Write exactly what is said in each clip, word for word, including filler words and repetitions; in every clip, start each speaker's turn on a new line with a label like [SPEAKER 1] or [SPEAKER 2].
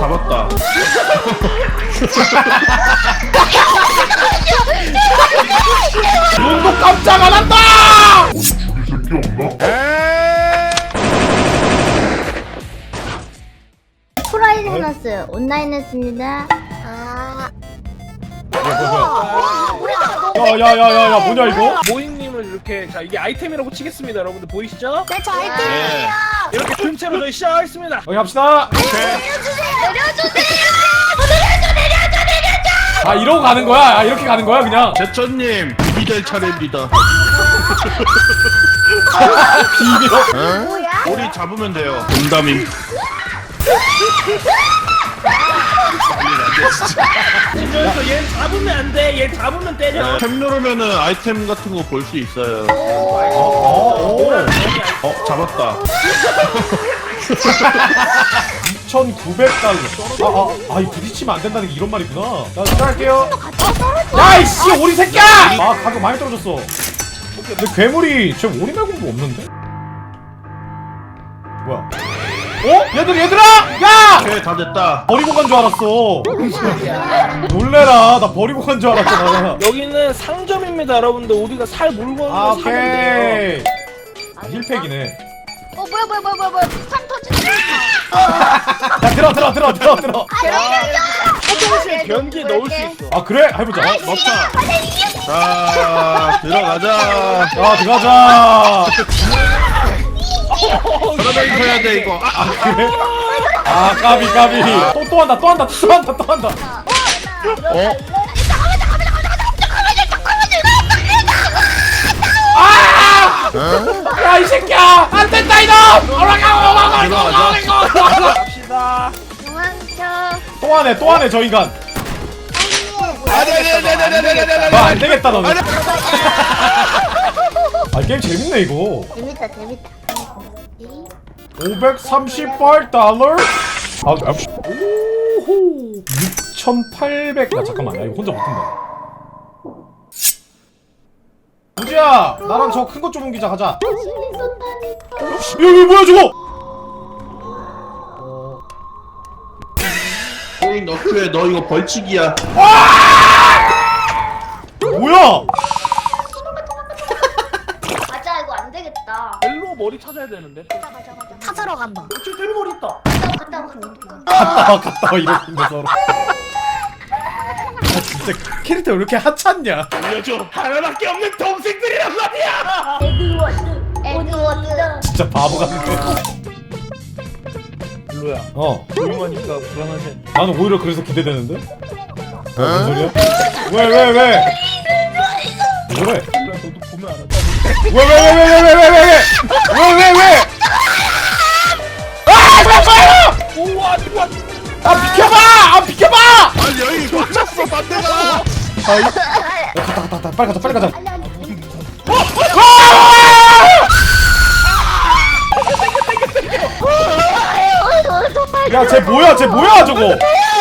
[SPEAKER 1] 잡았다.
[SPEAKER 2] 눈도 깜짝 안 한다!
[SPEAKER 3] 어디 죽일 새끼 없나?
[SPEAKER 4] 프라이 해놨어요. 온라인 했습니다. 아.
[SPEAKER 2] 야야야야야 뭐냐 이거?
[SPEAKER 5] 모잉님을 이렇게 자 이게 아이템이라고 치겠습니다. 여러분들 보이시죠?
[SPEAKER 4] 네, 저 아이템이에요.
[SPEAKER 5] 이렇게 큰 채로 저희 시작하겠습니다.
[SPEAKER 2] 여기 갑시다. 아 이러고 가는 거야? 아 이렇게 가는 거야 그냥?
[SPEAKER 1] 제천님 비비될 차례입니다.
[SPEAKER 2] 비비어?
[SPEAKER 4] 뭐야?
[SPEAKER 1] 오리 잡으면 돼요. 농담임.
[SPEAKER 5] 그래서 얘 잡으면 안 돼. 얘 잡으면 때려.
[SPEAKER 1] 템 누르면은 아이템 같은 거 볼 수 있어요.
[SPEAKER 2] 어,
[SPEAKER 1] 어 잡았다.
[SPEAKER 2] 이천구백 달러. 아, 아, 아, 이 부딪히면 안 된다는 게 이런 말이구나. 자, 시작할게요. 야, 이씨, 오리 새끼야! 아, 가격 많이 떨어졌어. 근데 괴물이 쟤 오리 말고 뭐 없는데? 뭐야? 어? 얘들, 얘들아! 야!
[SPEAKER 1] 오케이 다 됐다.
[SPEAKER 2] 버리고 간 줄 알았어. 놀래라. 나 버리고 간 줄 알았잖아.
[SPEAKER 5] 여기는 상점입니다, 여러분들. 우리가 살 물건을
[SPEAKER 2] 아,
[SPEAKER 5] 사면 돼요.
[SPEAKER 2] 오케이. 아, 힐팩이네.
[SPEAKER 4] 어 뭐야 뭐야 뭐야 뭐야 뭐야 폭탄 터지네.
[SPEAKER 2] 야, 들어, 들어, 들어, 들어, 들어.
[SPEAKER 5] 화장실 변기에 넣을 수 있어.
[SPEAKER 2] 아, 그래? 해보자.
[SPEAKER 1] 어 넣자. 자 들어가자.
[SPEAKER 2] 아, 들어가자.
[SPEAKER 1] 돌아다니면서 해야 돼 이거. 아, 아.
[SPEAKER 2] 그래? 아 까비 까비 또 또 한다 또 한다 또 한다 또 한다
[SPEAKER 1] 어?
[SPEAKER 2] 야 이 새끼야 안 된다 이놈 올라가 올라가
[SPEAKER 1] 들어가자.
[SPEAKER 5] 갑시다.
[SPEAKER 4] 도망쳐.
[SPEAKER 2] 또 하네 또 하네 저 인간 아 안 되겠다 너는 아 게임 재밌네 이거
[SPEAKER 4] 재밌다 재밌다.
[SPEAKER 2] 오백삼십팔 달러 아 아, 오호 육천팔백 나 잠깐만 나 이거 혼자 못한다 우지야 나랑 저 큰 것 좀 옮기자 가자 여기 뭐야 저거
[SPEAKER 1] 코인 너프에 너 이거 벌칙이야.
[SPEAKER 2] 뭐야
[SPEAKER 4] 맞아 이거 안 되겠다.
[SPEAKER 5] 벨로 머리 찾아야 되는데.
[SPEAKER 4] 찾으러 간다.
[SPEAKER 5] 저 벨로 머리 있다.
[SPEAKER 4] 갔다 와 갔다 와.
[SPEAKER 2] 갔다 와 갔다 와 이러는데 서로 아 진짜 캐릭터 왜 이렇게 하찮냐
[SPEAKER 5] 알려줘. 하나밖에 없는 동생들이란 말이야.
[SPEAKER 4] 에드워드. 에드워드.
[SPEAKER 2] 진짜 바보 같은데
[SPEAKER 5] 벨로야.
[SPEAKER 2] 어
[SPEAKER 5] 조용하니까 불안하지.
[SPEAKER 2] 나는 오히려 그래서 기대되는데 어? 무슨 소리야? 왜 왜 왜 왜 그래
[SPEAKER 5] 벨로야 너도 보면 알아.
[SPEAKER 2] 왜 왜 왜 왜 왜 왜 왜 왜 왜 왜 아 잠깐만
[SPEAKER 5] 오와 좋아.
[SPEAKER 2] 아 비켜봐 아 비켜봐
[SPEAKER 1] 아니 여기 꽂혔어 반대가.
[SPEAKER 2] 아 이... 야, 갔다 갔다 갔다 빨리 가자 빨리 가자 야 쟤 뭐야 쟤 뭐야 저거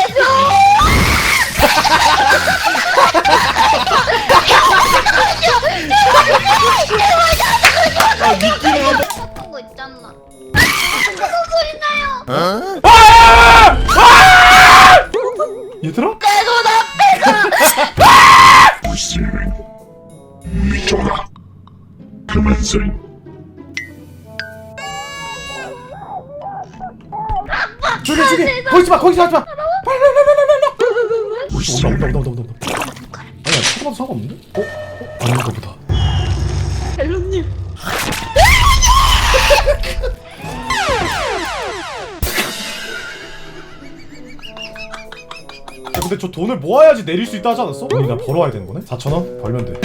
[SPEAKER 1] 아 미끼를 한번.
[SPEAKER 4] 그런 거 있잖아. 무슨 소리 나요?
[SPEAKER 2] 아! 아! 얘들아?
[SPEAKER 3] Receiving. 미쳐라. Commencing.
[SPEAKER 2] 저기 저기 거기서 마 거기서 하지 마 빨리 빨리 빨리 빨리 온다 온다 온다 온다 온다 아니야 쳐봐도 상관없는데? 어? 어? 아닌가 보다 야 근데 저 돈을 모아야지 내릴 수 있다 하지 않았어? 우리가 벌어와야 되는 거네? 사천 원? 벌면 돼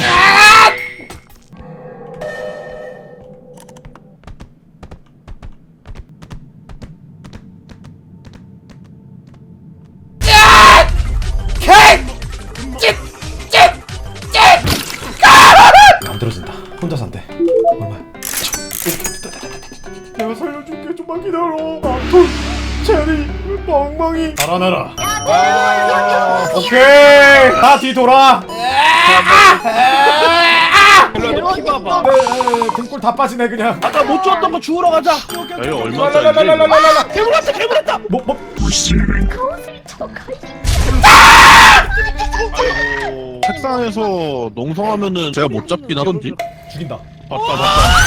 [SPEAKER 2] 안 들어진다 혼자서 안돼 얼마야? 내가 살려줄게 좀만 기다려 아돈 체리 멍멍이 달아나라 오케이 다 뒤돌아
[SPEAKER 5] 키 봐봐.
[SPEAKER 2] 네, 네, 등골 다 빠지네 그냥.
[SPEAKER 5] 아까 못 줬던 거 주우러 가자.
[SPEAKER 1] 야 이거 얼마짜리?
[SPEAKER 2] 랄랄랄랄랄랄랄라.
[SPEAKER 5] 괴물 왔다 괴물 왔다.
[SPEAKER 2] 뭐 뭐?
[SPEAKER 3] Receiving.
[SPEAKER 4] 가옷을 쳐가지고.
[SPEAKER 1] 아이고 책상에서 농성하면은 제가 못 잡긴 하던지.
[SPEAKER 2] 죽인다.
[SPEAKER 1] 봤다 봤다.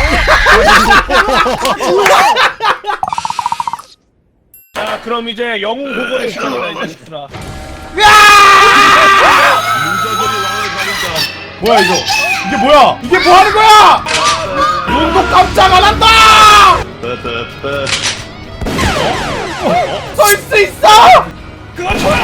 [SPEAKER 5] 자 그럼 이제 영웅 보고의 시간이다 이 자식들아.
[SPEAKER 1] 문자들이 왕을 가린다.
[SPEAKER 2] 뭐야 이거? 이게 뭐야? 이게 뭐 하는 거야? 눈도 깜짝 안 한다.
[SPEAKER 1] 빼빼빼.
[SPEAKER 2] 쏠 수 있어?
[SPEAKER 5] 그거 줘야.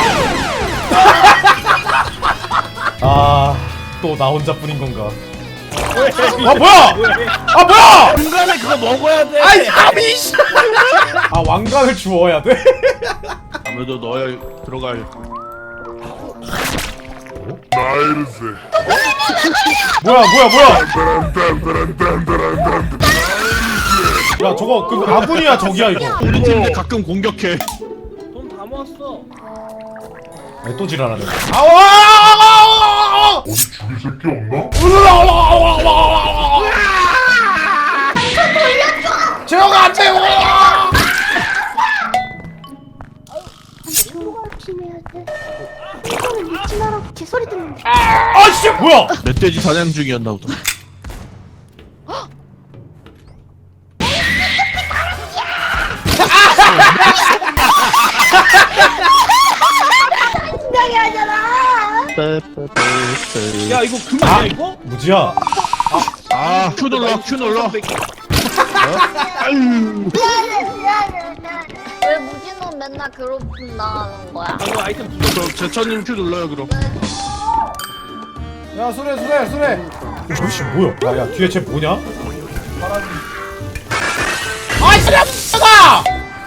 [SPEAKER 2] 아, 또 나 혼자뿐인 건가?
[SPEAKER 5] 왜?
[SPEAKER 2] 아 뭐야?
[SPEAKER 5] 왜?
[SPEAKER 2] 아 뭐야?
[SPEAKER 5] 중간에 그거 먹어야 돼.
[SPEAKER 2] 아이 아미씨. 아 왕관을 주워야 돼?
[SPEAKER 1] 아무래도 넣어야 들어갈.
[SPEAKER 3] 나이르세.
[SPEAKER 2] 뭐야 뭐야 뭐야?
[SPEAKER 3] 딴딴딴딴딴딴딴.
[SPEAKER 2] 야 저거 그 아군이야 적이야 이거.
[SPEAKER 1] 우리 팀도 가끔 공격해.
[SPEAKER 5] 돈 다 모았어.
[SPEAKER 2] 왜 또 지랄하네. 아와!
[SPEAKER 3] 어디 죽일 새끼 없나?
[SPEAKER 2] 제어가 안 돼요.
[SPEAKER 4] 친구가 피해야 돼. 이거는 미친나라고 개소리 듣는데.
[SPEAKER 2] 아씨 뭐야?
[SPEAKER 1] 멧돼지 사냥 중이었나 보다.
[SPEAKER 4] 신나게 하잖아.
[SPEAKER 1] 빼빼빼빼.
[SPEAKER 5] 야 이거 그만이야 이거?
[SPEAKER 2] 무지야.
[SPEAKER 1] 아, 큐 눌러, 큐 눌러. 아유.
[SPEAKER 4] 미안해 미안해 미안해. 왜 무진호 맨날 괴롭힘 당하는 거야?
[SPEAKER 5] 이거 아이템 부족.
[SPEAKER 1] 그럼 제천님 큐 눌러요 그럼.
[SPEAKER 2] 야 수레 수레 수레. 저씨 뭐야? 야야 뒤에 쟤 뭐냐? 아이 수레 다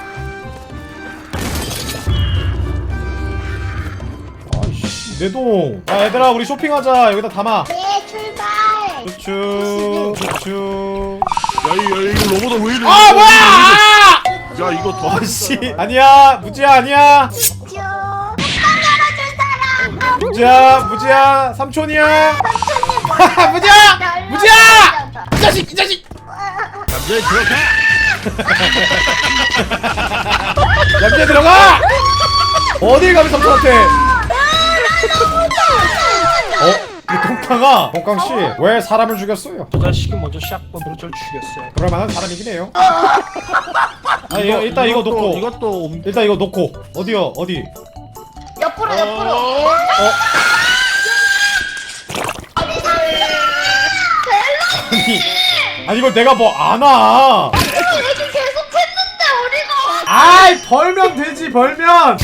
[SPEAKER 2] 아이씨 내 돈. 야 얘들아 우리 쇼핑하자. 여기다 담아.
[SPEAKER 4] 네 출발.
[SPEAKER 2] 추추 추추.
[SPEAKER 1] 야, 이, 야, 이거 로봇은 왜 이래?
[SPEAKER 2] 아 뭐야?
[SPEAKER 1] 야, 이거 더.
[SPEAKER 2] 아씨 아니야 무지야 아니야.
[SPEAKER 4] 쭈. 뚜껑 열어줄 사람.
[SPEAKER 2] 무지야 무지야 삼촌이야. 무지야 무지야. 이 자식 이 자식.
[SPEAKER 1] 남자애 들어가.
[SPEAKER 2] 얌전히 들어가. 어딜 가면 삼촌한테. 어? 이 동강아 동강 씨 왜 사람을 죽였어요?
[SPEAKER 5] 저 자식이 먼저 샷건으로 절 죽였어요.
[SPEAKER 2] 그럴 만한 사람이긴 해요. 아 이거 일단 이거 놓고
[SPEAKER 1] 이것도 옮-
[SPEAKER 2] 일단 이거 놓고 어디요 어디?
[SPEAKER 4] 옆으로 옆으로.
[SPEAKER 2] 어? 아니 아니 이걸 내가 뭐 아나?
[SPEAKER 4] 얘기 계속 했는데 우리가.
[SPEAKER 2] 아이 벌면 되지 벌면.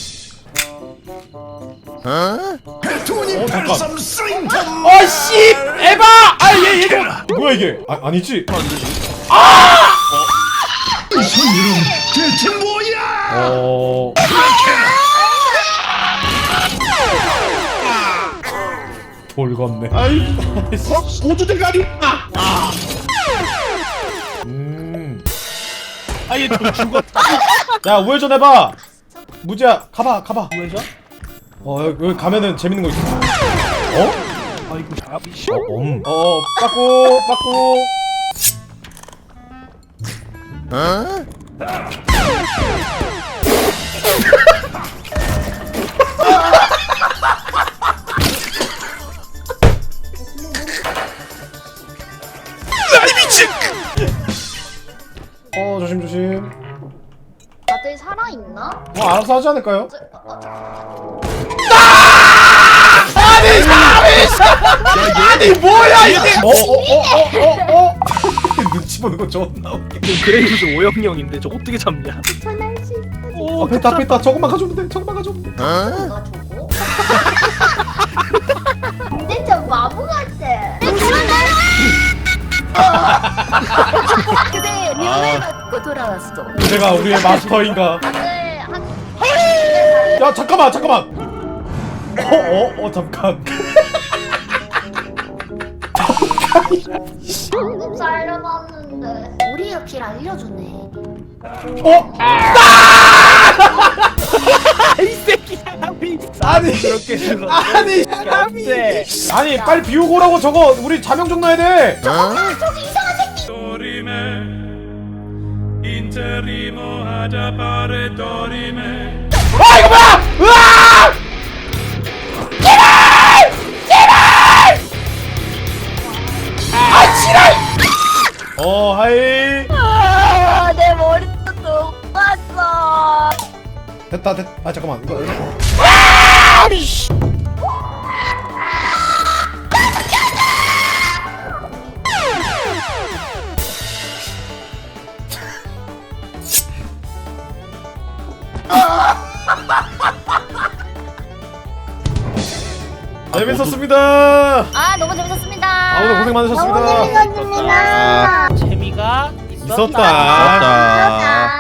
[SPEAKER 2] 어 잠깐. 어씨 에바. 아얘 얘. 뭐야 이게? 아 아니지.
[SPEAKER 3] 대체 뭐야?
[SPEAKER 2] 어. 돌건네.
[SPEAKER 1] 아이, 어? 보조 대가리. 아,
[SPEAKER 2] 음.
[SPEAKER 5] 아얘 돈 죽었다.
[SPEAKER 2] 야 우회전 해봐. 무지야 가봐 가봐.
[SPEAKER 5] 왜죠?
[SPEAKER 2] 어 여기, 여기 가면은 재밌는 거 있어. 어?
[SPEAKER 5] 아이고 야 미씨.
[SPEAKER 2] 어 엄. 어 빠꾸 빠꾸. 어 조심 조심.
[SPEAKER 4] 다들 살아 있나?
[SPEAKER 2] 뭐 알아서 하지 않을까요?
[SPEAKER 4] 어,
[SPEAKER 2] 아니 사람이 아니 뭐야 이게? 어어어어어 어? 눈치 보는 거 존나 웃겨.
[SPEAKER 5] 그레이브즈 오영영인데 저 어떻게 잡냐?
[SPEAKER 4] 전할 수 있어.
[SPEAKER 2] 어 뺐다 뺐다 저것만 가져오면 돼 저것만 가져오면 돼.
[SPEAKER 4] 누가 저거? 근데 저 바보 같아. 그대 명을 받고 돌아왔어.
[SPEAKER 2] 내가 우리의 마스터인가?
[SPEAKER 4] 다들 한.
[SPEAKER 2] 야 잠깐만 잠깐만. 어어어 어, 잠깐.
[SPEAKER 4] 방금 살려봤는데 우리의 길 알려주네.
[SPEAKER 2] 어?
[SPEAKER 5] 이 새끼 사람이.
[SPEAKER 2] 아니
[SPEAKER 5] 어렵게 죽었어.
[SPEAKER 2] 아니
[SPEAKER 5] 사람이.
[SPEAKER 2] 아니 빨리 비우고 오라고. 저거 우리 자명종 넣어야 돼.
[SPEAKER 4] 아 저기 이상한 새끼.
[SPEAKER 2] 아 이거 뭐야? 으아! 제발! 제발! 아 지랄! 어 하이.
[SPEAKER 4] 아내 머리도 녹았어.
[SPEAKER 2] 됐다 됐. 아 잠깐만 이거. 재밌었습니다.
[SPEAKER 4] 아 너무 재밌었습니다.
[SPEAKER 2] 아 오늘 고생 많으셨습니다.
[SPEAKER 4] 너무 재밌었습니다.
[SPEAKER 5] 재미가 있었다.
[SPEAKER 2] 있었다.
[SPEAKER 1] 맞다.